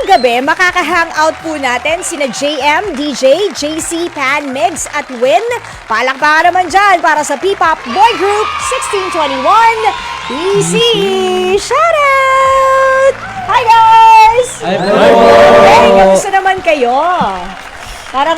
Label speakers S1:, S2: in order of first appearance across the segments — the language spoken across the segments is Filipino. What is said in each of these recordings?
S1: ngayong gabi, makaka-hangout po natin sina JM, DJ, JC, Pan, Migs at Win. Palakpakan naman dyan para sa P-Pop Boy Group 1621 BC. Shoutout! Hi guys!
S2: Hi po!
S1: Hey, kamusta naman kayo? Parang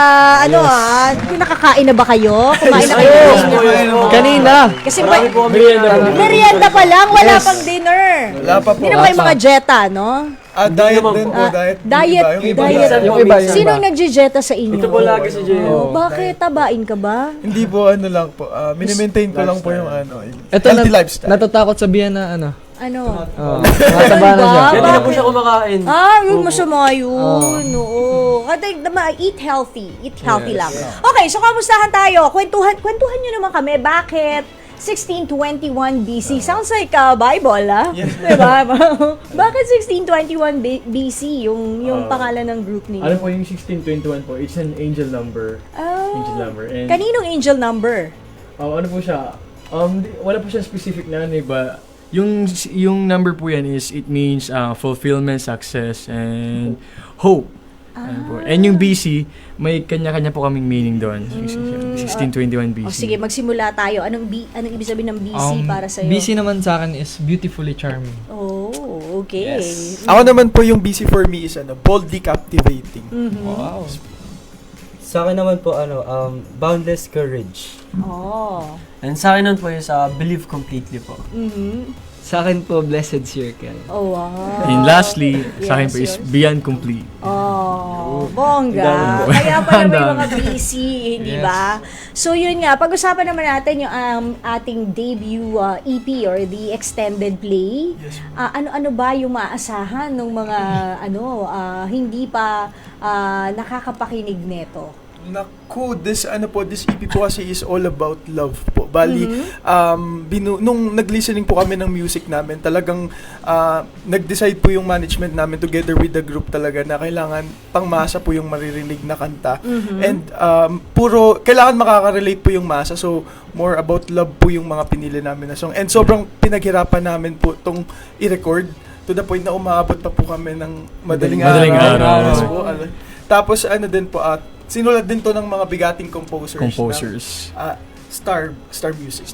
S1: nakakain na ba kayo? Kumain na kayo?
S2: Kanina!
S1: Kasi merienda pa lang, wala pang dinner.
S3: Wala pa po.
S1: Hindi na ba yung mga jeta, no?
S3: Diet din po, diet.
S1: Diet.
S2: Yung iba.
S1: Sino ang nagje-jeta sa inyo?
S4: Ito po lagi si Jay.
S1: Bakit? Tabain ka ba?
S3: Hindi po, ano lang po. Minimaintain ko lang po yung
S2: Ito
S3: healthy lifestyle.
S2: Natatakot sabihan na ano.
S1: Ano?
S2: Mataba na siya.
S1: Ba?
S4: Kaya di na po siya kumakain.
S1: Yun masama yun. Oo. Eat healthy. Eat healthy lang. Okay, so kamustahan tayo? Kwentuhan nyo naman kami. Bakit 1621 BC? Sounds like Bible,
S3: Yes.
S1: Diba? Bakit 1621 BC yung pangalan ng group niyo?
S4: Ano po yung 1621 po? It's an angel number. Angel number. And,
S1: Kaninong angel number?
S4: ano po siya? Wala po siya specific na ano, ba? Yung number po yan is, it means fulfillment, success, and hope. Ayan po. And yung BC, may kanya-kanya po kaming meaning doon. 1621 BC.
S1: Sige, magsimula tayo. Anong ibig sabihin ng BC para sa'yo?
S2: BC naman sa akin is beautifully charming.
S1: Oh, okay.
S3: Ako naman po yung busy for me is boldly captivating.
S2: Wow.
S5: Sa akin naman po, boundless courage.
S1: Oh.
S5: And sa akin naman po is believe completely po.
S2: Sa akin po, blessed circle.
S1: Oh, wow.
S4: And lastly, sa akin po is
S1: yours.
S4: beyond complete.
S1: Oh, bongga. Kaya pala may mga busy, hindi ba? So yun nga, pag-usapan naman natin yung ating debut EP or the extended play.
S3: Yes.
S1: Ano-ano ba yung maasahan ng mga hindi pa nakakapakinig neto?
S3: Naku, this EP po kasi is all about love po. Bali, nung nag-listening po kami ng music namin, talagang nag-decide po yung management namin together with the group talaga na kailangan pangmasa po yung maririnig na kanta. And kailangan makaka-relate po yung masa. So, more about love po yung mga pinili namin na song. And sobrang pinaghirapan namin po itong i-record to the point na umaabot pa po kami ng madaling araw. Yes po. Tapos din po, sinulat din to ng mga bigating composers. Star Music.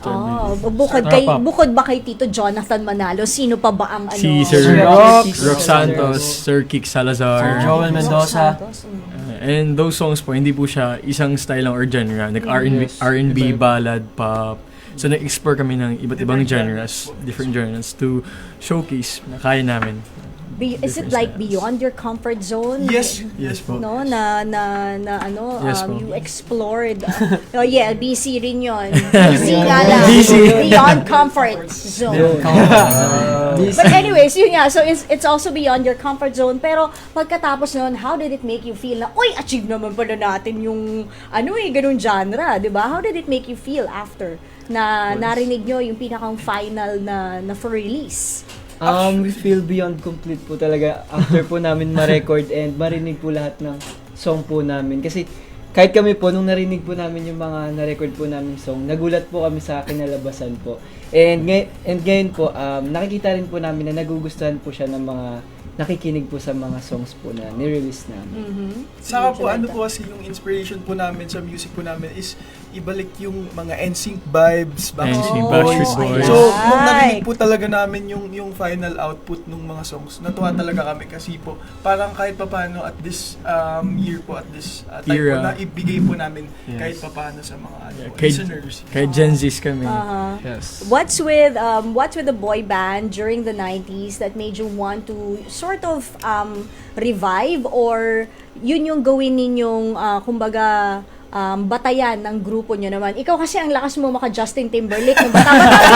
S1: Bukod ba kay Tito Jonathan Manalo, sino pa ba ang
S4: Si Sir Rock Santos, Sir Kick Salazar,
S5: Joel Mendoza.
S4: and those songs po, hindi po siya isang style lang or genre. R&B, ballad, pop. So, nag-explore kami ng iba't ibang different genres to showcase na kaya namin.
S1: Is it like beyond your comfort zone?
S3: Yes.
S4: Yes po.
S1: No,
S4: Yes po.
S1: you explored. BC rin yun. BC nga lang. Beyond comfort zone. But anyways, yun nga. So it's also beyond your comfort zone. Pero pagkatapos nun, how did it make you feel na, achieve naman pala natin yung, ganun genre, di ba? How did it make you feel after na narinig nyo yung pinakang final na for release?
S6: We feel beyond complete po talaga after po namin ma-record and marinig po lahat ng song po namin. Kasi kahit kami po, nung narinig po namin yung mga na-record po namin song, nagulat po kami sa kinalabasan po. And ngayon po, nakikita rin po namin na nagugustuhan po siya ng mga nakikinig po sa mga songs po na ni-release namin.
S3: Saka po, kasi yung inspiration po namin sa music po namin is ibalik yung mga NSYNC vibes, Backstreet Boys. So, nung narinig po talaga namin yung final output ng mga songs, natuwa talaga kami kasi po, parang kahit papano at this year po, at this time po, na ibigay po namin kahit papano sa mga listeners.
S4: Kaya Gen Zs kami.
S2: Yes.
S1: What's with the boy band during the 90s that made you want to sort of revive, or yun yung gawin ninyong kumbaga batayan ng grupo nyo naman? Ikaw kasi ang lakas mo maka Justin Timberlake, no? Bata-bata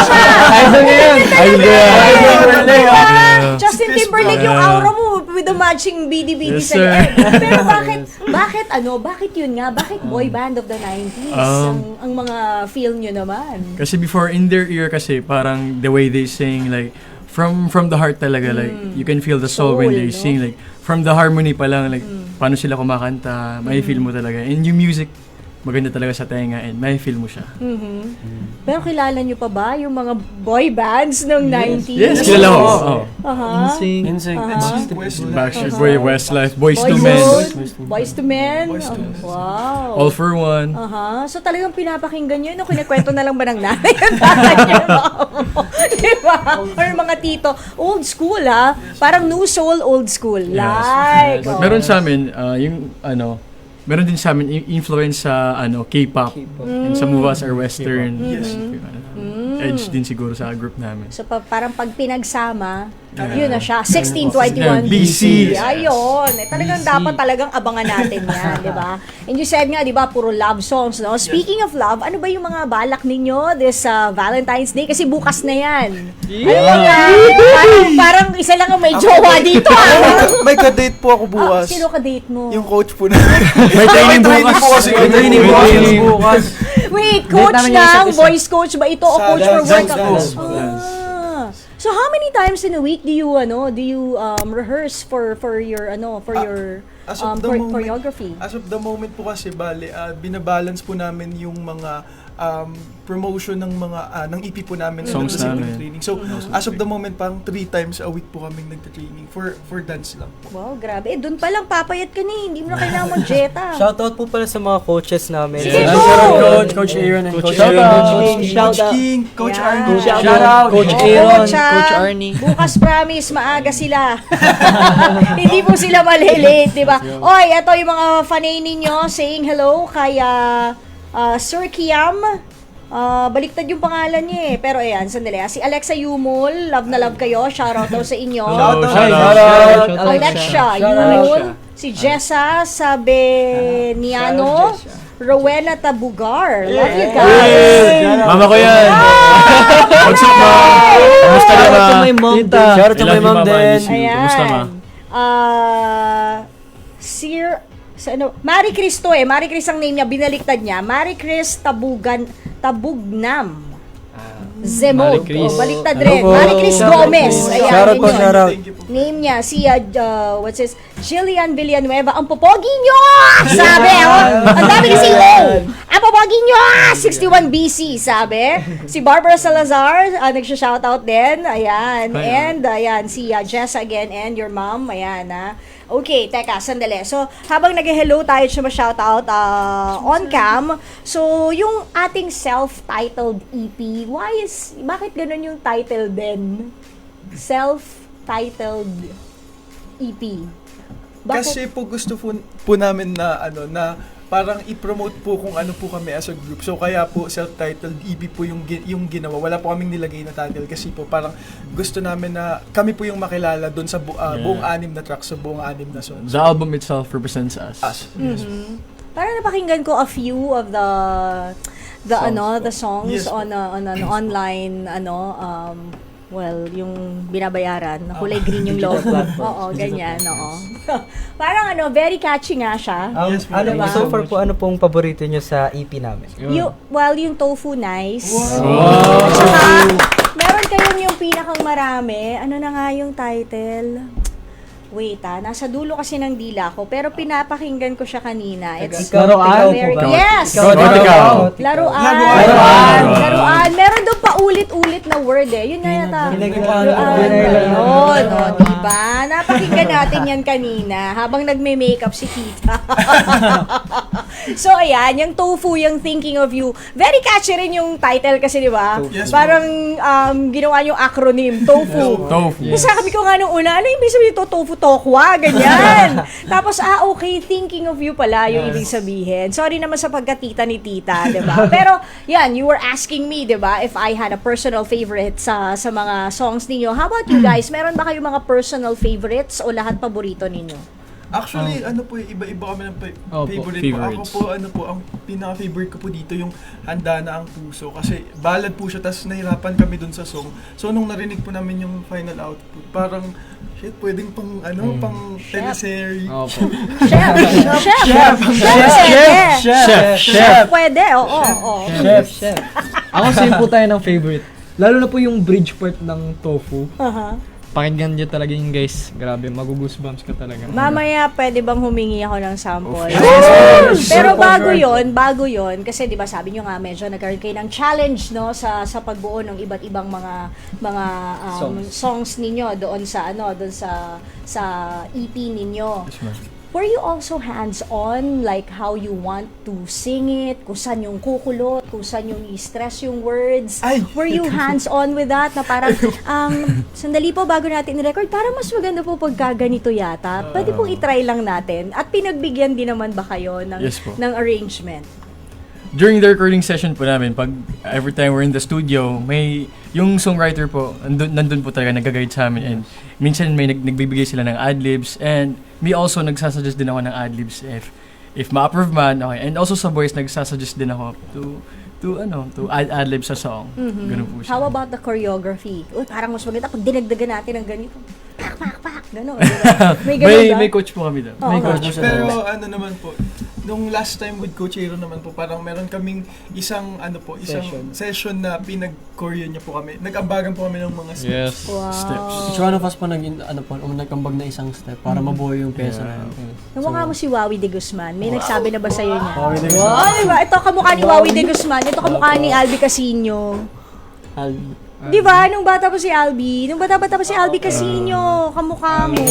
S1: siya! Justin Timberlake yung aura mo with the matching BD-BD sa liit. Pero bakit yun nga? Bakit boy band of the 90s ang mga feel nyo naman?
S4: Kasi before, in their ear kasi, parang the way they sing, like, from the heart talaga, like, you can feel the soul when they sing, like, from the harmony pa lang, like, paano sila kumakanta, may feel mo talaga. And yung music, maganda talaga sa tenga and may feel mo siya.
S1: Pero kilala nyo pa ba yung mga boy bands ng 90s?
S4: Yes, kilala ko. Oh.
S1: Aha.
S6: Insane.
S4: Backstreet Boy, Westlife, Boys to
S1: Boyzone,
S4: Men,
S1: Boys to Men.
S3: Boyz II Men.
S1: Wow.
S4: All for One.
S1: Aha. So talagang pinapakinggan nyo, no? Kinikwento na lang ba ng nanay at tatay niyo? Diba? Or mga tito. Old school, ha? Parang new soul, old school. Like. oh.
S4: Meron sa amin, meron din sa amin influence sa K-pop. And some of us are Western.
S3: Yes.
S4: Edge din siguro sa group namin.
S1: So parang pag pinagsama, yun na siya. 1621
S4: BC.
S1: Ayun. Talagang dapat talagang abangan natin yan, di ba? And you said nga, di ba, puro love songs, no? Speaking of love, ano ba yung mga balak ninyo this Valentine's Day? Kasi bukas na yan. Ano ba yan? Parang isa lang ang may jowa dito,
S3: May ka-date po ako bukas.
S1: Sino ka-date mo?
S3: Yung coach po na.
S4: May training bukas.
S3: po kasi.
S6: May training bukas.
S1: Wait, coach
S6: namin yung isa't
S1: lang?
S6: isa.
S1: Boys coach ba ito o coach for work?
S3: dance.
S1: So how many times in a week do you rehearse for your
S3: As of the moment-
S1: choreography?
S3: As of the moment po kasi, binabalance po namin yung mga promotion ng mga ng EP po namin
S4: Songs
S3: sa
S4: namin.
S3: training. So, as of the moment, parang 3 times a week po kaming nagta-training for dance lang po.
S1: Wow, grabe. Doon pa lang papayat ka ni. Hindi mo na kailangan mag-jeta.
S5: Shoutout po pala sa mga coaches namin.
S1: Sige,
S5: And-
S1: go!
S6: Coach Aaron and Coach
S4: Shout
S6: Aaron.
S4: out.
S3: Coach King, Coach
S1: Yeah.
S3: Arnold.
S6: Shout out. Coach Aaron,
S1: Coach, ah.
S6: Coach Arnie.
S1: Bukas promise, maaga sila. Hindi po sila malilate, di ba? Oy, ito yung mga fanay ninyo saying hello kay Sir Kiam. Baliktad yung pangalan niya eh. Pero ayan, sandali. Si Alexa Yumul, love na love kayo. Shoutout daw sa inyo.
S4: Shout
S6: out.
S1: Alexa Yumul. Si Jessa Sabeniano. Rowena Tabugar. Love you guys.
S4: Mama ko yan. What's up, ma? Kumusta na, ma?
S6: Shout out to my mom.
S5: Shout out to
S4: I love
S5: my
S4: you,
S5: mom
S4: Mama. I
S5: din.
S4: miss you. Kumusta, ma?
S1: Marie Chris to eh. Marie Chris ang name niya. Binaliktad niya. Marie Chris Tabugnam. Zemog.
S2: Marie Chris.
S1: Baliktad
S5: Hello
S1: rin.
S5: po.
S1: Marie Chris Gomez. Ayan,
S5: Shoutout po,
S1: yun yun.
S5: shoutout.
S3: Thank you po.
S1: Name niya, si, Jillian Villanueva. Ang popogi nyo! Sabi, ang dami kasi ang popogi nyo! 61 BC, sabi. Si Barbara Salazar, nagsha-shoutout din. Ayan. And, ayan, si Jess again and your mom. Ayan, Okay, teka, sandali. So, habang nag-hello tayo siya ma-shoutout on cam, so, yung ating self-titled EP, bakit ganun yung title din? Self-titled EP. Bakit?
S3: Kasi po gusto po namin na parang i-promote po kung ano po kami as a group. So kaya po self-titled EP po yung ginawa. Wala po kaming nilagay na title kasi po parang gusto namin na kami po yung makilala doon sa buong 6 na tracks, sa buong 6 na songs.
S4: The album itself represents us.
S3: Yes.
S1: Parang napakinggan ko a few of the songs
S3: Yes,
S1: on an online yung binabayaran, kulay green yung logo. Oo, ganyan, oo. Parang very catchy nga siya.
S3: Yes,
S1: diba?
S5: So far po, ano pong paborito nyo sa EP namin?
S1: Yung Tofu Nice.
S4: Wow.
S1: At saka, meron kayong yung pinakang marami. Ano na nga yung title? Wait nasa dulo kasi ng dila ko, pero pinapakinggan ko siya kanina. It's
S6: Laruan?
S1: very,
S5: Ikaw.
S1: yes!
S4: Ikaw.
S1: Laruan. Meron doon pa ulit-ulit na word eh. Yun nga yata. Laruan. Yun, diba? Napakinggan natin yan kanina habang nagme-makeup si Kita. So, ayan, yung Tofu, yung Thinking of You. Very catchy rin yung title kasi, diba?
S3: Yes,
S1: Parang ginawa yung acronym, Tofu.
S4: Tofu.
S1: Kasi sabi ko nga nung una, ano yung ibig sabihin ito? Tofu tokwa, ganyan. Tapos, okay, Thinking of You pala yung ibig sabihin. Sorry naman sa pagkatita ni Tita, diba? Pero, yan, you were asking me, diba, if I had a personal favorite sa mga songs ninyo. How about you guys? Meron ba kayong mga personal favorites o lahat paborito ninyo?
S3: Actually, iba-iba kami ng favorite po. Ako
S4: favorites.
S3: po, ang pinaka-favorite ko po dito yung Handa na ang Puso. Kasi ballad po siya, tas nahirapan kami dun sa song. So, nung narinig po namin yung final output, parang, pwedeng pang teleserye.
S2: Opo.
S1: Chef. Pwede, oo.
S6: Chef. Ako same po tayo ng favorite. Lalo na po yung bridge part ng Tofu.
S1: Aha.
S2: Pakinggan nyo talaga yun guys. Grabe, magugoosebumps ka talaga.
S1: Mamaya, pwede bang humingi ako ng sample?
S3: Yes!
S1: Pero bago yon, kasi 'di ba sabi niyo nga medyo nagkaroon kayo ng challenge no sa pagbuo ng iba't ibang mga songs ninyo doon sa sa EP ninyo.
S4: Yes, ma'am.
S1: Were you also hands-on, like how you want to sing it, kung saan yung kukulot, kung saan yung i-stress yung words?
S3: Ay!
S1: Were you hands-on with that? Na parang, sandali po bago natin i-record, parang mas maganda po pagka ganito yata. Pwede pong i-try lang natin. At pinagbigyan din naman ba kayo ng,
S4: Yes po.
S1: ng arrangement?
S4: During the recording session po namin, pag every time we're in the studio, may yung songwriter po, nandun po talaga nag-guide sa amin, and minsan may nagbibigay sila ng adlibs, and me also nagsasuggest din ako ng adlibs if ma-approve man, okay. And also sa voice nagsasuggest din ako to add adlibs sa song. Ganun po siya.
S1: How about the choreography? Uy, parang mas maganda pag dinagdagan natin ng ganito. Pak, pak, pak, gano'n. Diba? May gano'n ba?
S4: May coach po kami doon.
S1: Oo.
S4: May coach.
S3: Pero ano naman po, nung last time with Coach Aero naman po, parang meron kaming isang session na pinag-choreo niya po kami. Nag-ambagan po kami ng mga steps.
S2: Yes.
S1: Wow.
S4: Steps.
S7: So one of us po nagkambag na isang step para mabuo yung pesa na yun.
S1: Namukha mo si Wawi de Guzman. May nagsabi na ba sa'yo niya?
S7: Wawi de Guzman.
S1: Wow, diba? Ito kamukha ni Wawi de Guzman. Ito kamukha ni Albi Casino. Di ba? Nung bata pa si Albi. Nung bata-bata pa si Albi Casino. Kamukha mo.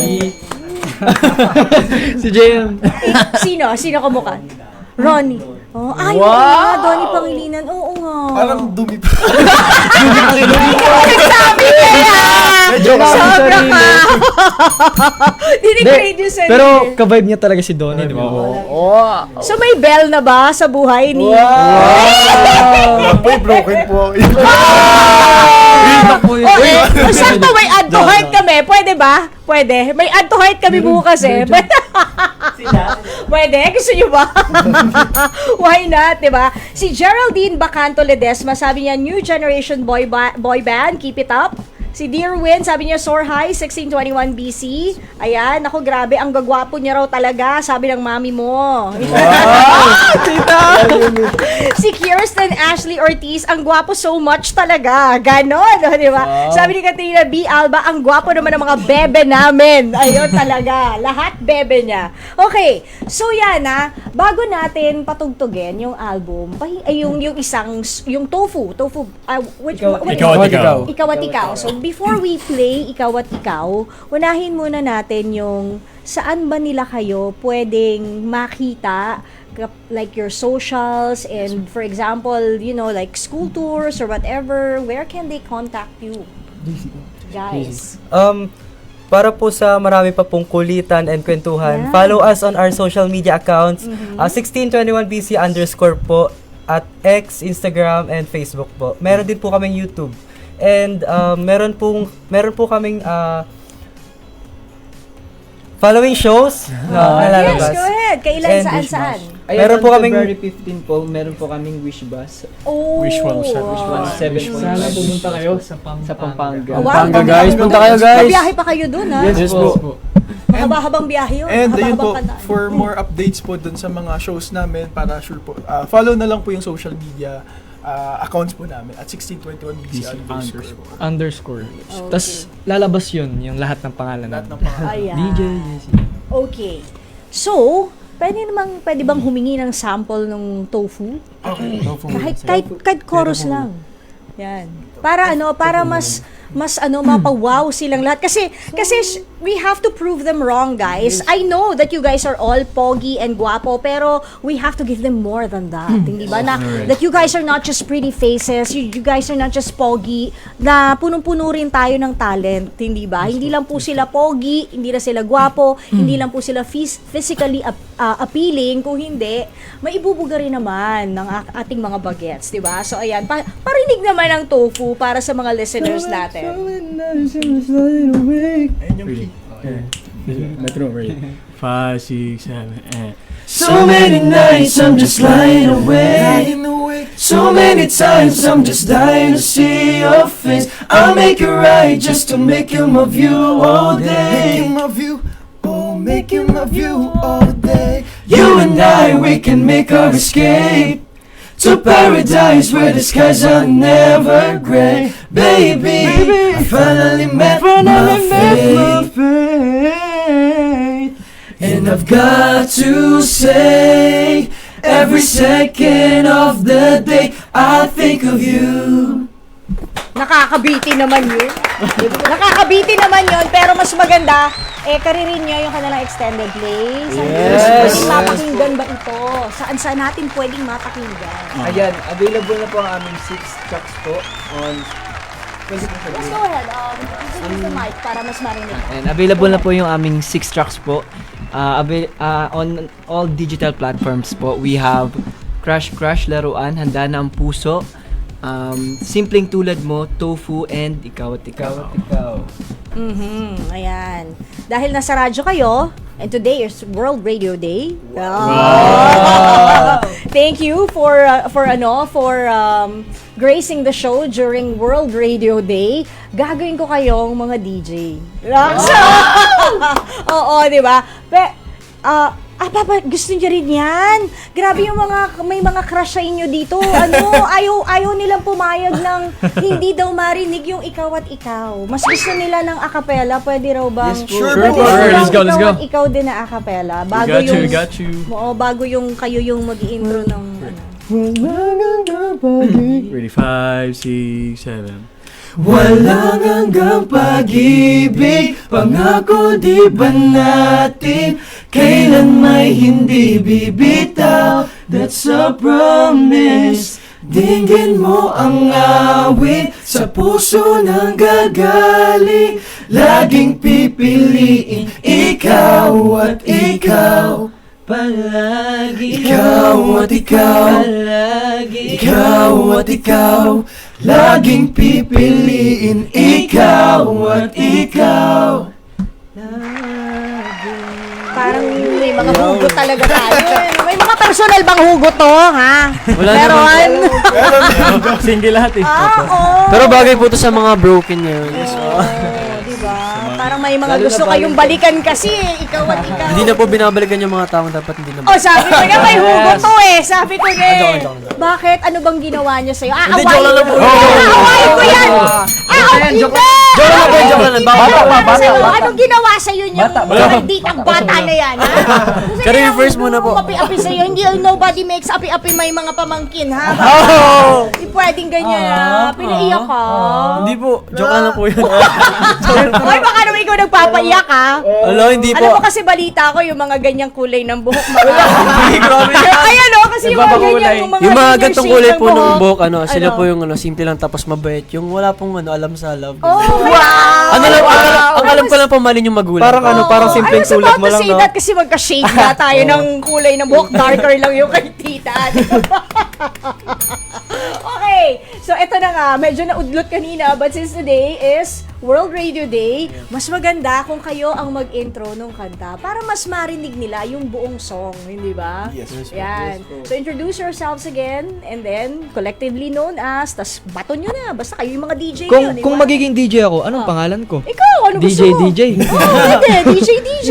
S2: Si JM.
S1: Sino? Sino kamukha? Ronnie. Oh, ay, wow! Donnie Pangilinan. Oo nga.
S3: Parang dumi pa.
S1: Nagsabi kaya! Sobra ka! Dinigrade yung sarili.
S2: Pero ka-vibe niya talaga si Donnie, di ba?
S1: So may bell na ba sa buhay ni...
S3: May broken po.
S1: Sakto may add to heart kami. Pwede ba? Pwede. May add to heart kami bukas eh. Pwede? Gusto nyo ba? Why not, diba? Si Geraldine Bacanto Ledesma, sabi niya, new generation boy band, keep it up. Si Dear Win, sabi niya, soar high, 1621 BC. Ayan, ako grabe, ang gagwapo niya raw talaga, sabi ng mami mo. Si Kirsten Ashley Ortiz, ang gwapo so much talaga. Ganon, di ba? Sabi ni Katrina B. Alba, ang gwapo naman ng mga bebe namin. Ayun talaga, lahat bebe niya. Okay, so yan bago natin patugtugin yung album, yung Tofu, Ikaw at Ikaw. So, before we play Ikaw at Ikaw, unahin muna natin yung saan ba nila kayo pwedeng makita, like your socials, and for example, like school tours or whatever, where can they contact you? Guys.
S5: Para po sa marami pa pong kulitan and kwentuhan, follow us on our social media accounts, 1621BC_ po, at X, Instagram, and Facebook po. Meron din po kaming YouTube. And meron po kaming following shows na
S1: Yes,
S5: lalabas.
S1: go ahead. Kailan,
S5: And
S1: saan?
S5: Meron po kaming
S6: February 15 po, meron po kaming wish bus.
S1: Oh,
S4: Wish 1
S6: Sana pumunta kayo sa Pampanga.
S1: Wow,
S7: Pampanga, guys. Punta kayo, guys.
S1: Mabiyahe pa kayo dun, ha?
S7: Yes po.
S1: Mahaba-habang biyahe yun.
S3: And ayun po,
S1: Mahaba-habang kantaan.
S3: for more updates po dun sa mga shows namin, para sure po, follow na lang po yung social media accounts po namin at 1621BC
S2: Underscore.
S1: Okay.
S2: Tapos lalabas yun, yung lahat ng pangalan
S3: Lahat ng
S2: natin.
S3: pangalan.
S1: Ayan.
S2: DJ,
S1: Okay. So, pwede bang humingi ng sample ng tofu? Kahit chorus lang. Yan. Para mas mapawaw silang lahat. Kasi we have to prove them wrong, guys. I know that you guys are all pogi and guapo, pero we have to give them more than that. Hindi ba? That you guys are not just pretty faces, you guys are not just pogi, na punong-puno rin tayo ng talent. Hindi ba? Hindi lang po sila pogi, hindi na sila guapo, hindi lang po sila physically appealing. Kung hindi, maibubuga rin naman ng ating mga bagets. Di ba? So, ayan. Parinig naman ng tofu para sa mga listeners natin.
S3: Ayun yung key.
S4: Metro, right? 5, 6, 7,
S8: So many nights I'm just lying awake. So many times I'm just dying to see your face. I'll make it right just to make you my view all day.
S3: Make you my view all day.
S8: You and I, we can make our escape to paradise where the skies are never gray. Baby, I finally met my fate. And I've got to say, every second of the day I think of you.
S1: Nakakabiti naman yun. Nakakabiti naman yun, pero mas maganda, karirin nyo yung kanilang extended play. Pwedeng mapakinggan ba ito? Saan natin pwedeng mapakinggan?
S6: Ayan, available na po ang aming 6 tracks po on...
S1: Let's go ahead. Use the mic para mas marinig.
S6: And available na po yung aming 6 tracks po. On all digital platforms po. We have Crush Crush, Laruan, Handa na ang Puso, Simpleng Tulad Mo, Tofu, and Ikaw at Ikaw.
S1: Ayan. Dahil nasa radyo kayo, and today is World Radio Day. Thank you for gracing the show during World Radio Day. Gagawin ko kayong mga DJ. Oo, di ba? Papa, gusto niyo rin yan. Grabe yung may mga crush sa inyo dito. Ayaw nilang pumayag ng hindi daw marinig yung Ikaw at Ikaw. Mas gusto nila ng acapella. Pwede raw bang?
S4: Yes, sure. Let's go.
S1: Ikaw at Ikaw din na acapella. Bago
S4: We got you.
S1: Oo, bago yung kayo yung mag-i-intro ng
S4: Ready, 5, 6, 7.
S8: Walang hanggang pag-ibig, pangako di ba natin kailan may hindi bibitaw? That's a promise. Dinggin mo ang awit sa puso ng gagaling, laging pipiliin ikaw at ikaw. Palagi ikaw at ikaw, palagi ikaw at ikaw, laging pipiliin ikaw at ikaw.
S1: parang may mga hugot talaga tayo. May mga personal bang hugot to, ha?
S7: Wala
S1: Meron.
S4: Single lahat eh.
S1: Oo.
S7: Pero bagay po to sa mga broken ngayon.
S1: Diba? Parang may mga gusto kayong balikan kasi, ikaw at ikaw.
S7: Hindi na po binabalikan yung mga taong dapat hindi na.
S1: Oh, sabi ko na may hugot to eh. Sabi ko na eh. Bakit? Ano bang ginawa niya sa'yo?
S7: Hindi, joke lang po.
S1: Aawayin ko yan! Joke
S7: lang.
S1: Bata. Anong ginawa sa'yo niyo? Hindi ang bata na yan, ha?
S7: Career first muna po.
S1: Api-api sa'yo. Hindi, nobody makes api-api may mga pamangkin, ha? Hindi pwedeng ganyan, ha? Pinaiyak ka.
S7: Hindi po. Joke lang po yun.
S1: Ay, baka naman ikaw nagpapaiyak, ha?
S7: Hello, hindi po.
S1: Alam mo kasi balita ko yung mga ganyang kulay ng buhok. Ayan, no? Kasi yung mga ganyan,
S7: Yung mga gantong kulay po ng
S1: buhok.
S7: buhok, sila po yung simple lang tapos mabait. Yung wala pong alam sa love.
S1: Oh, wow!
S7: Ang alam ko lang po mali yung magulang.
S5: Parang simpleng tulad mo lang,
S1: I was about to say
S5: no?
S1: that kasi magka-shade na tayo ng kulay ng buhok. Darker lang yung kay tita. Okay, so eto na nga. Medyo naudlot kanina, but since today is World Radio Day, mas maganda kung kayo ang mag-intro ng kanta para mas marinig nila yung buong song, hindi ba?
S3: Yes.
S1: Yan. So introduce yourselves again and then collectively known as, tas baton nyo na. Basta kayo yung mga DJ nyo, di ba?
S2: Kung magiging DJ ako, anong pangalan ko?
S1: Ikaw, ano gusto mo?
S2: DJ.
S1: DJ.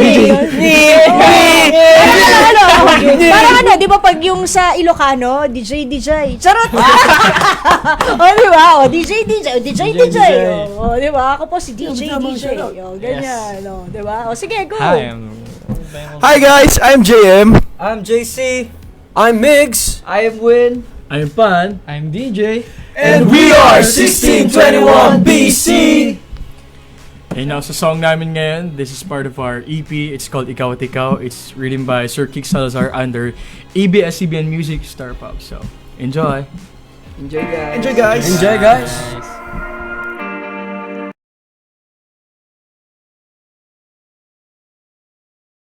S1: Parang ano, di ba pag yung sa Ilocano, DJ. Charot! O, di ba? O, DJ. O, di ba? Ako po si DJ. O, ganyan. O, di ba? O, sige, go.
S3: Hi guys, I'm JM.
S5: I'm JC.
S7: I'm Migs.
S5: I am Win.
S4: I'm Pan.
S2: I'm DJ.
S8: And we are 1621 BC.
S4: And now sa song namin ngayon, this is part of our EP. It's called Ikaw at Ikaw. It's written by Sir Kik Salazar under ABS-CBN Music Star Pop. So, enjoy!
S5: Enjoy, guys.
S3: Enjoy guys.
S7: Enjoy, guys.